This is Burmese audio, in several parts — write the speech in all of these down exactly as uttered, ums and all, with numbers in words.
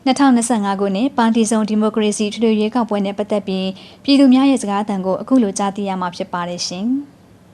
နှစ်ထောင်နှစ်ဆယ့်ငါခုနှစ်ပါတီစုံဒီမိုကရေစီထွေထွေရွေးကောက်ပွဲနဲ့ပတ်သက်ပြီးပြည်သူများရဲ့စကားအသံကိုအခုလိုကြားသိရမှာဖြစ်ပါတယ်ရှင်။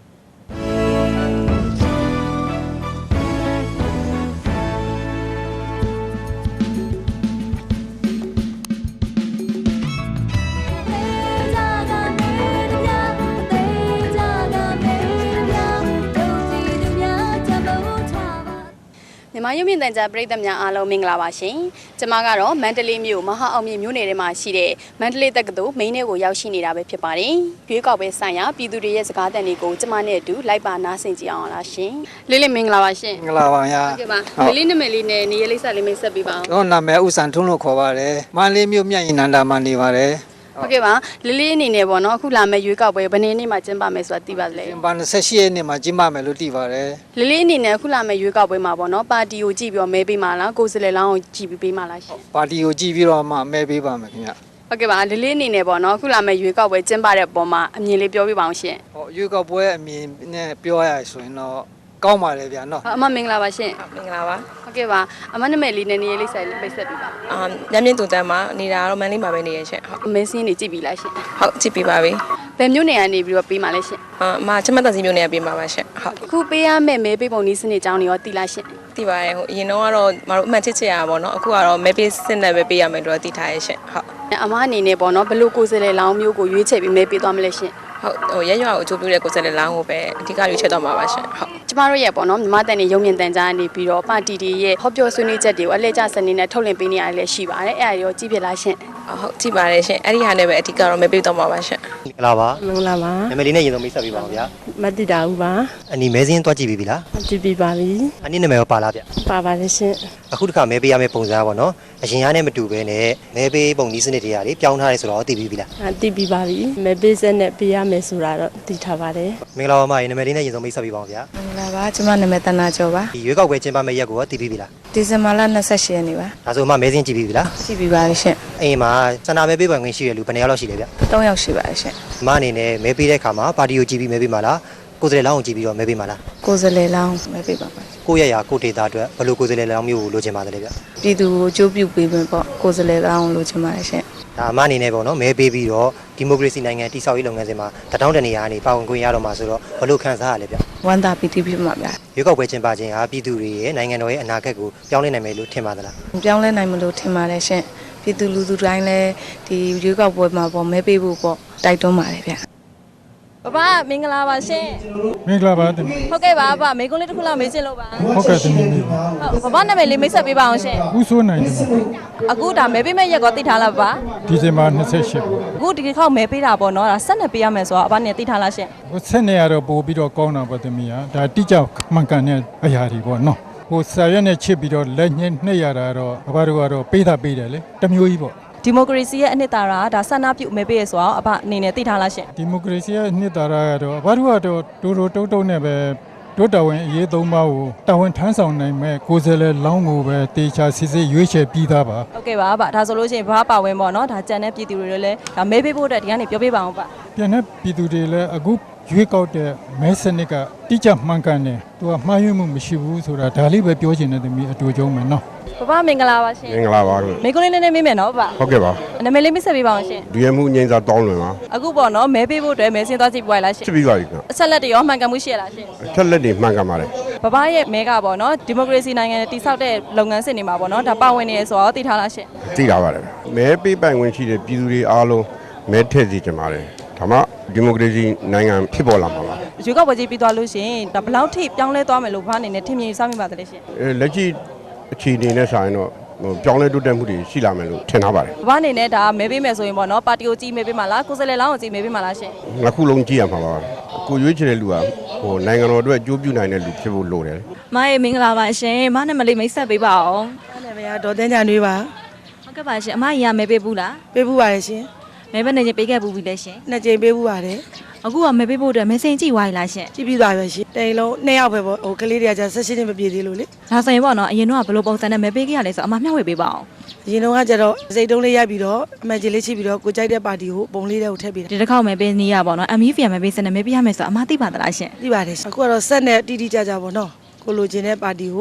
မြန်မာရုပ်မြင်သံကြားပရိသတ်များအားလုံးမင်္ဂလာပါရှင်။ကျွန်မကတော့မန္တလေးမြို့မဟာအောင်မြင့်မြို့နယ်ထဲမှာရှိတဲ့မန္တလေးတက္ကသိုလ်မိန်းထဲကိုရောက်ရှိနေတာပဲဖြစ်ပါတယ်။ရွေးကောက်ပွဲဆိုင်ရာပြည်သူတွေရဲ့စကားသံတွေကိုကျွန်မနဲ့အတူလိုက်ပါနားဆင်ကြည့်အောင်လားရှင်။လေးလေးမင်္ဂလာပါရှင်။မင်္ဂလာပါဗျာဟုတ်ကဲ့ပါ။လေးလေးနာမည်လေးနဲ့နေရာလိပ်စာလေးမိတ်ဆက်ပေးပါအောင်တော့နာမည်ဥစံထွန်းလို့ခေါ်ပါတယ်မန္တလေးမြို့မြတ်ရင်နန္ဒာမှာနေပါတယ်ဟုတ်ကဲ့ပါလေးလေးအနေနဲ့ပေါ့နော်အခုလာမယ့်ရွေးကောက်ပွဲဘယ်နေ့နေ့မှကျင်းပမယ်ဆိုတာသိပါသလဲကျင်းပ၂၈ရက်နေ့မှာကျင်းပမယ်လို့သိပါတယ်လေးလေးအနေနဲ့အခုလာမယ့်ရွေးကောက်ပွဲမှာပေါ့နော်ပါတီကိုကြည့်ပြီးတော့မဲပေးမှာလားကိုယ်စားလှယ်လောင်းကိုကြည့်ပြီးပေးမှာလားရှင်ပါတီကိုကြည့်ပြီးတော့မှမဲပေးပါမယ်ခင်ဗျဟုတ်ကဲ့ပါလေးလေးအနေနဲ့ပေါ့နော်အခုလာမယ့်ရွေးကောက်ပွဲကျင်းပတဲ့ပုံမှာအမြင်လေးပြောပြပါအောင်ရှင်ဟောရွေးကောက်ပွဲအမြင်နဲ့ပြောရဆိုရင်တော့ကောင်းပါတယ်ဗျာနော်အမမင်္ဂလာပါရှင်မင်္ဂလာပါဟုတ်ကဲ့ပါအမနာမည်လေးနဲ့နေရာလေးဆိုင်လေးပိတ်ဆက်ပေးပါအာညမြင့်တူတန်းမှာနေတာတော့မန်လေးမှာပဲနေရရှင်ဟုတ်မဲစင်းနေကြည့်ပြီလားရှင်ဟုတ်ကြည့်ပြီးပါပြီဘယ်မျိုးနေရာနေပြီးတော့ပေးမှာလဲရှင်အာအမချမတ်တစီမျိုးနေရာပေးမှာပါရှင်ဟုတ်အခုပေးရမယ့်မဲပေးပုံနည်းစနစ်အကြောင်းတွေရောသိလားရှင်သိပါတယ်ဟိုအရင်တော့ကတော့မတို့အမှန်ချစ်ချစ်ရပါတော့အခုကတော့မဲပေးစနစ်ပဲပေးရမယ်တော့သိထားရရှင်ဟုတ်အမအနေနဲ့ပေါ့နော်ဘလို့ကိုယ်စားလှယ်လောင်းမျိုးကိုရွေးချယ်ပြီးမဲပေးသွားမလဲရှင်ဟုတ်ဟိုရရွာကိုအကျိုးပြုတဲ့ကိုယ်စားလှယ်လောင်းကိုပဲအဓိကရွေးချယ်တော့မှာပါရှင်ဟုတ်ကျမတို့ရဲ့ပေါ့နော်မြန်မာတန်နေရုံမြင့်တန်ကြားနေပြီးတော့ပါတီတွေရဲ့ဟောပြောဆွေးနွေးချက်တွေကိုအလဲကျစနေနဲ့ထုတ်လင်းပေးနေရလည်းရှိပါတယ်အဲ့ဒါရောကြည့်ဖြစ်လားရှင်ဟုတ်ကြည့်ပါတယ်ရှင်အဲ့ဒီဟာနဲ့ပဲအဓိကတော့မဲပေးတော့မှာပါရှင်မင်္ဂလာပါမင်္ဂလာပါနာမည်လေးနဲ့ရင်ဆုံးမိတ်ဆက်ပေးပါဦးဗျာမတ္တိတာဦးပါအနီမဲစင်းတွားကြည့်ပြီးပြီလားကြည့်ပြီးပါပြီအနီနာမည်ရောပါလားဗျပါပါတယ်ရှင်အခုတစ်ခါမဲပေးရမယ့်ပုံစံပါနော်အရင်ကနဲ့မတူဘဲနဲ့မဲပေးပုံဒီစနစ်တွေကလေပြောင်းထားတယ်ဆိုတော့သိပြီးပြီလားအသိပြီးပါပြီမဲပေးစက်နဲ့ပေးရမယ်ဆိုတာတော့သိထားပါတယ်မင်္ဂလာပါမရေနာမည်လေးနဲ့ရင်ဆုံးမိတ်ဆက်ပေးပါဦးဗျာမင်္ဂလာပါကျမနာမည်တနာကျော်ပါဒီရွေးကောက်ပွဲကျင်းပမယ့်ရက်ကိုသိပြီးပြီလားဒီဇင်ဘာလ၂၈ရက်နေ့ပါဒါဆိုမှမဲစင်းကြည့်ပြီးပြီလားကြည့်ပြီးပါပြီရှင်အိမ်မှာစန္ဒမဲပေးပိုင်ခွင့်ရှိရလူဘယ်နှယောက်လောက်ရှိလဲဗျ၃ယောက်ရှိပါတယ်ရှင်မအနေနဲ့မဲပေးတဲ့အခါမှာပါတီကိုကြည့်ပြီးမဲပေးမှာလားကိုယ်စားလှယ်လောင်းကိုကြည့်ပြီးတော့မဲပေးမှာလားကိုယ်စားလှယ်လောင်းမဲပေးပါပါကိုယ့်ရရာကိုယ့်ဒေတာအတွက်ဘယ်လိုကိုယ်စားလှယ်လောင်းမျိုးကိုလိုချင်ပါတယ်လေဗျပြည်သူကိုအကျိုးပြုပေးမယ်ပေါ့ကိုယ်စားလှယ်လောင်းကိုလိုချင်ပါတယ်ရှင်ဒါအမအနေနဲ့ပေါ့နော်မဲပေးပြီးတော့ဒီမိုကရေစီနိုင်ငံတည်ဆောက်ရေးလုပ်ငန်းစဉ်မှာတထောင်တနေရာကနေပါဝင်ခွင့်ရတော့မှာဆိုတော့ဘယ်လိုခံစားရလဲဗျဝမ်းသာပီတိဖြစ်မှာဗျရွေးကောက်ပွဲကျင်းပခြင်းဟာပြည်သူတွေရဲ့နိုင်ငံတော်ရဲ့အနာဂတ်ကိုပြောင်းလဲနိုင်မယ်လို့ထင်ပါသလားပြောင်းလဲနိုင်မလို့ထင်ပါတယ်ရှင်ပြည်သူလူထုတိုင်းလည်းဒီရွေးကောက်ပွဲမှာပေါ့မဲပေးဖို့ပေါ့တိုက်တွန်းပါတယ်ဗျဘဘမင်္ဂလာပါရှင်မင်္ဂလာပါတမီးဟုတ်ကဲ့ပါဘမိကုန်းလေးတစ်ခုလောက်မေးချင်လို့ပါဟုတ်ကဲ့တမီးဟုတ်ဘဘနာမည်လေးမိတ်ဆက်ပေးပါအောင်ရှင်ဦးစိုးနိုင်တယ်အခုဒါမဲပေးမဲ့ရက်ကောသိထားလားဘဒီဇင်ဘာ၂၈အခုဒီခေါက်မဲပေးတာပေါ့နော်ဒါဆက်နေပေးရမယ်ဆိုတော့အဘနဲ့သိထားလားရှင်ဟိုဆက်နေရတော့ပို့ပြီးတော့ကောင်းတာပေါ့တမီးဟာဒါတိကျမှန်ကန်တဲ့အရာတွေပေါ့နော်ဟိုဆာရက်နဲ့ချစ်ပြီးတော့လက်ညှိနှိပ်ရတာတော့အဘတို့ကတော့ပေးတာပေးတယ်လေတမျိုးကြီးပေါ့ဒီမိုကရေစီရဲ့အနှစ်သာရဒါဆန္ဒပြုမဲပေးရဆိုတော့အဘအနေနဲ့သိထားလားရှင်ဒီမိုကရေစီရဲ့အနှစ်သာရကတော့အဘတို့ကတော့တိုးတိုးတုံးတုံးနဲ့ပဲတို့တော်ဝင်အရေးသုံးပါးကိုတာဝန်ထမ်းဆောင်နိုင်မဲ့ကိုယ်စားလှယ်လောင်းကိုပဲတေချာစစ်စစ်ရွေးချယ်ပြီးသားပါဟုတ်ကဲ့ပါဗျဒါဆိုလို့ရှိရင်ဘာပါဝင်ပေါ့နော်ဒါကြံတဲ့ပြည်သူတွေလည်းဒါမဲပေးဖို့အတွက်ဒီကနေပြောပြပါအောင်ဗျပြန်တဲ့ပြည်သူတွေလည်းအခုရွေးကောက်တဲ့မဲစနစ်ကတိကျမှန်ကန်တယ်သူကမှားယွင်းမှုမရှိဘူးဆိုတာဒါလေးပဲပြောချင်တဲ့သမီးအတူကျုံးမယ်နော်ဘဘမင်္ဂလာပါရှင်မင်္ဂလာပါခင်မိကုန်းလေးနည်းနည်းမေးမယ်နော်ဘဟုတ်ကဲ့ပါနာမည်လေးမိတ်ဆက်ပေးပါအောင်ရှင်ဒီရမှုငိမ့်စာတောင်းလွင်ပါအခုပေါ့နော်မဲပေးဖို့အတွက်မဲစင်းသွားကြည့်ပွားလားရှင်ကြည့်ပြီးပါပြီခင်အဆက်လက်တွေရောမှန်ကန်မှုရှိရလားရှင်အချက်လက်တွေမှန်ကန်ပါတယ်ဘဘရဲ့မဲကပေါ့နော်ဒီမိုကရေစီနိုင်ငံတည်ဆောက်တဲ့လုပ်ငန်းစဉ်တွေမှာပေါ့နော်ဒါပါဝင်နေရဆိုတော့သိထားလားရှင်သိတာပါတယ်မဲပေးပိုင်ခွင့်ရှိတဲ့ပြည်သူတွေအားလုံးမဲထည့်စီကြပါတယ်ဒါမှဒီမိုကရေစီနိုင်ငံဖြစ်ပေါ်လာမှာပါရွေးကောက်ပွဲကြီးပြီးသွားလို့ရှင်ဒါဘယ်လောက်ထိပြောင်းလဲသွားမယ်လို့ဘာအနေနဲ့ထင်မြင်စမ်းမိပါတယ်ရှင်အဲလက်ရှိအခြေအနေနဲ့ဆိုင်တော့ဟိုပြောင်းလဲတိုးတက်မှုတွေရှိလာမယ်လို့ထင်ထားပါတယ်ဘာအနေနဲ့ဒါမဲပေးမယ်ဆိုရင်ပေါ့နော်ပါတီကိုကြီးမဲပေးမှာလားကိုယ်စားလှယ်လောင်းကိုကြီးမဲပေးမှာလားရှင်နှစ်ခုလုံးကြည့်ရမှာပါကိုရွေးချယ်တဲ့လူကဟိုနိုင်ငံတော်အတွက်အကျိုးပြုနိုင်တဲ့လူဖြစ်ဖို့လိုတယ်မရေမင်္ဂလာပါရှင်မနဲ့မလေးမိတ်ဆက်ပေးပါအောင်ဟုတ်တယ်ဗျာဒေါ်တန်းကြနွေးပါဟုတ်ကဲ့ပါရှင်အမကြီးကမဲပေးဘူးလားပေးဘူးပါတယ်ရှင်မဲပဲနေချင်းပေးခဲ့ဘူးပြီလေရှင်နှစ်ကြိမ်ပေးဘူးပါတယ်အခုကမဲပေးဖို့အတွက်မဲစင်ကြည့်သွားပြီလားရှင်ကြည့်ပြီးသွားပြီရှင်တိန်လုံးနှစ်ယောက်ပဲပေါ့ဟိုကလေးတွေကကြာဆက်ရှင်းနေမပြေသေးလို့လေဒါဆိုရင်ပေါ့နော်အရင်တော့ဘယ်လိုပုံစံနဲ့မဲပေးခဲ့ရလဲဆိုအမမျှဝေပေးပါအောင်အရင်တော့ကကျတော့စိတ်တုံးလေးရိုက်ပြီးတော့အမှန်ကြီးလေးချိပြီးတော့ကိုကြိုက်တဲ့ပါတီကိုပုံလေးတွေကိုထည့်ပေးတယ်ဒီတစ်ခေါက်မဲပေးနေရပေါ့နော် M E F မဲပေးစနဲ့မဲပေးရမယ်ဆိုအမသိပါသလားရှင်သိပါတယ်အခုကတော့ဆက်နဲ့တီးတီးကြကြပေါ့နော်ကိုလိုချင်တဲ့ပါတီကို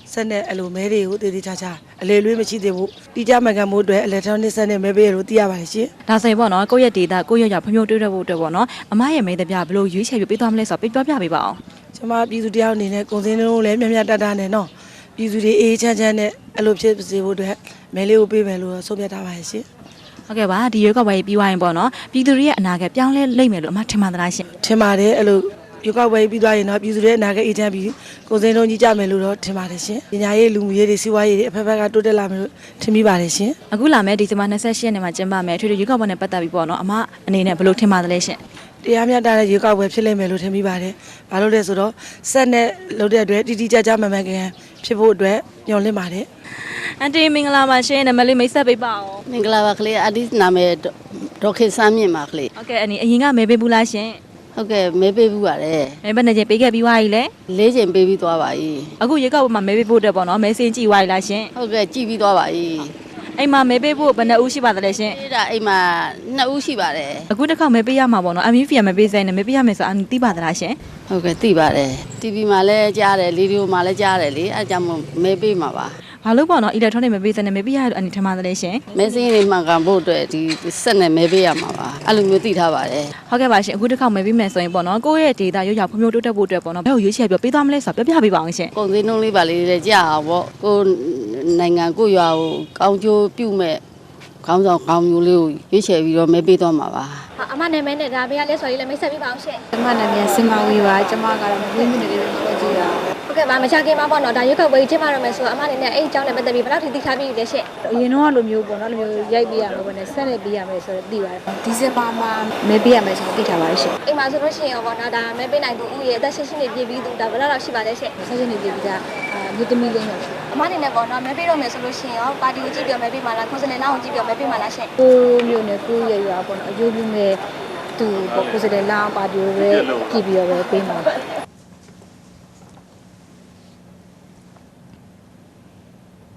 ဆက်နဲ့အဲ့လိုမဲတွေကိုတည်တည်ချာချာအလေလွေးမရှိသေးဘူးတိကျမှန်ကန်မှုအတွက် electronic ဆက်နဲ့မဲပေးရလို့သိရပါတယ်ရှင်ဒါဆိုရင်ပေါ့နော်ကိုယ့်ရဲ့ data ကိုယ့်ရဲ့ရောက်ဖွံ့ဖြိုးတိုးတက်ဖို့အတွက်ပေါ့နော်အမရဲ့မိသားပြဘယ်လိုရွေးချယ်ပြီးပေးသွားမလဲဆိုတော့ပြောပြပေးပါအောင်ကျွန်မပြည်သူတယောက်အနေနဲ့ကုန်စည်နှုန်းလည်းမြတ်မြတ်တတ်တတ်နဲ့နော်ပြည်သူတွေအေးချမ်းချမ်းနဲ့အဲ့လိုဖြစ်စေဖို့အတွက်မဲလေးကိုပေးမယ်လို့ဆုံးဖြတ်ထားပါတယ်ရှင်ဟုတ်ကဲ့ပါဒီရွေးကောက်ပွဲပြီးသွားရင်ပေါ့နော်ပြည်သူတွေရဲ့အနာဂတ်ပြောင်းလဲလိမ့်မယ်လို့အမထင်ပါသလားရှင်ထင်ပါတယ်အဲ့လိုရွေးကောက်ပွဲပြီးသွားရင်တော့ပြည်သူတွေအနာဂတ်အေးချမ်းပြီးကုန်စည်နှုန်းကြီးကြမယ်လို့တော့ထင်ပါတယ်ရှင်ပညာရေးလူမှုရေးတွေစီးပွားရေးတွေအဖက်ဖက်ကတိုးတက်လာမယ်လို့ထင်မိပါတယ်ရှင်အခုလာမယ့်ဒီဇင်ဘာ၂၈ရက်နေ့မှာကျင်းပမယ်အထွေထွေရွေးကောက်ပွဲနဲ့ပတ်သက်ပြီးပေါ့နော်အမအနေနဲ့ဘယ်လိုထင်ပါသလဲရှင်တရားမျှတတဲ့ရွေးကောက်ပွဲဖြစ်လိမ့်မယ်လို့ထင်မိပါတယ်။ဘာလို့လဲဆိုတော့ဆက်နဲ့လုပ်တဲ့အတွက်တီတီကြကြမှန်မှန်ကန်ဖြစ်ဖို့အတွက်ညှော်လင့်ပါတယ်အန်တီမင်္ဂလာပါရှင်နမလေးမိတ်ဆက်ပေးပါဦးမင်္ဂလာပါကလေးအဒီနာမည်ဒေါက်ခေစမ်းမြင့်ပါကလေးဟုတ်ကဲ့အနီအရင်ကမဲပေးဘူးလားရှင်ဟုတ်ကဲ့မဲပေးဘူးပါတယ်မဲဘယ်နဲ့ချင်းပေးခဲ့ပြီးသွားပြီလဲလေးချိန်ပေးပြီးသွားပါပြီအခုရွေးကောက်ပွဲမှာမဲပေးဖို့အတွက်ပေါ့နော်မဲစင်းကြည့်သွားပြီလားရှင်ဟုတ်ကဲ့ကြည့်ပြီးသွားပါပြီအိမ်မှာမဲပေးဖို့ဘယ်နှဦးရှိပါသလဲရှင်အဲ့ဒါအိမ်မှာနှစ်ဦးရှိပါတယ်အခုတစ်ခါမဲပေးရမှာပေါ့နော်အမ်ဗီဖီမဲပေးဆိုင်နဲ့မဲပေးရမယ်ဆိုအန်တီသိပါသလားရှင်ဟုတ်ကဲ့သိပါတယ် တီဗီ မှာလည်းကြားတယ်ရေဒီယိုမှာလည်းကြားတယ်လေအဲ့ကြောင့်မို့မဲပေးမှာပါဘာလို့ပေါ့နော်အီလက်ထရောနစ်မဲပေးဆိုင်နဲ့မဲပေးရလို့အန်တီထင်ပါသလဲရှင်မဲစင်းလေးမှန်ကန်ဖို့အတွက်ဒီဆက်နဲ့မဲပေးရမှာပါအဲ့လိုမျိုးသိထားပါတယ်ဟုတ်ကဲ့ပါရှင်အခုတစ်ခါမဲပေးမယ်ဆိုရင်ပေါ့နော်ကိုယ့်ရဲ့ data ရွေးချယ်ဖွံ့ဖြိုးတိုးတက်ဖို့အတွက်ပေါ့နော်ဘယ်လိုရွေးချယ်ပြီးပေးသွားမလဲဆိုတော့ပြောပြပေးပါအောင်ရှင်ကုန်စည်နှုန်းလေးပါလေးလည်းကြားအောင်ပေါ့ကိုနိုင်ငံကိုရွာကိုကောင်းကျိုးပြုမဲ့ခေါင်းဆောင်ကောင်းမျိုးလေးကိုရွေးချယ်ပြီးတော့မဲပေးသွားမှာပါအမနာမည်နဲ့ဒါဘေးကလက်စော်လေးလည်းမိတ်ဆက်ပေးပါအောင်ရှင့်ကျမနာမည်စင်မဝီပါကျမကတော့မဝင်းမြင့်လေးကိုခေါ်ကြည့်တာဟုတ်ကဲ့ပါမချခင်မှာပေါ့နော်ဒါရွက်ကောက်ပွဲကြီးကျင်းပရမယ်ဆိုတော့အမအနေနဲ့အဲ့ဒီအကြောင်းနဲ့ပတ်သက်ပြီးဘယ်လောက်ထိသိထားပြီးလဲရှင့်အရင်တော့လိုမျိုးပေါ့နော်လိုမျိုးရိုက်ပေးရမှာပေါ့နဲ့ဆက်လက်ပေးရမယ်ဆိုတော့သိပါတယ်ဒီဇင်ဘာမှာမဲပေးရမယ်ဆိုတော့သိထားပါတယ်ရှင့်အိမ်မှာဆိုလို့ရှိရင်ပေါ့နော်ဒါမဲပေးနိုင်သူဦးရဲ့အသက်ရှင်ရှင်နေပြည်ပြီးသူဒါဘယ်လောက်လောက်ရှိပါလဲရှင့်ဆက်ရှင်နေပြည်ကမြို့သမီးလေးရောရှိအမအနေနဲ့ပေါ့နော်မဲပေးတော့မယ်ဆိုလို့ရှိရင်ရောပါတီကိုကြည့်ပြောမဲပေးမှာလားကိုယ်စနေနောက်ကိုကြည့်ပြောမဲပေးမှာလားရှင့်ကိုမျိုးနဲ့ကိုရရွာပေါ့နော်အယိုးပြင်းမဲ့သူပေါ့ကိုယ်စတဲ့လောင်းပါတီကိုပဲကြည့်ပြီးတော့ပဲပေးမှာပါ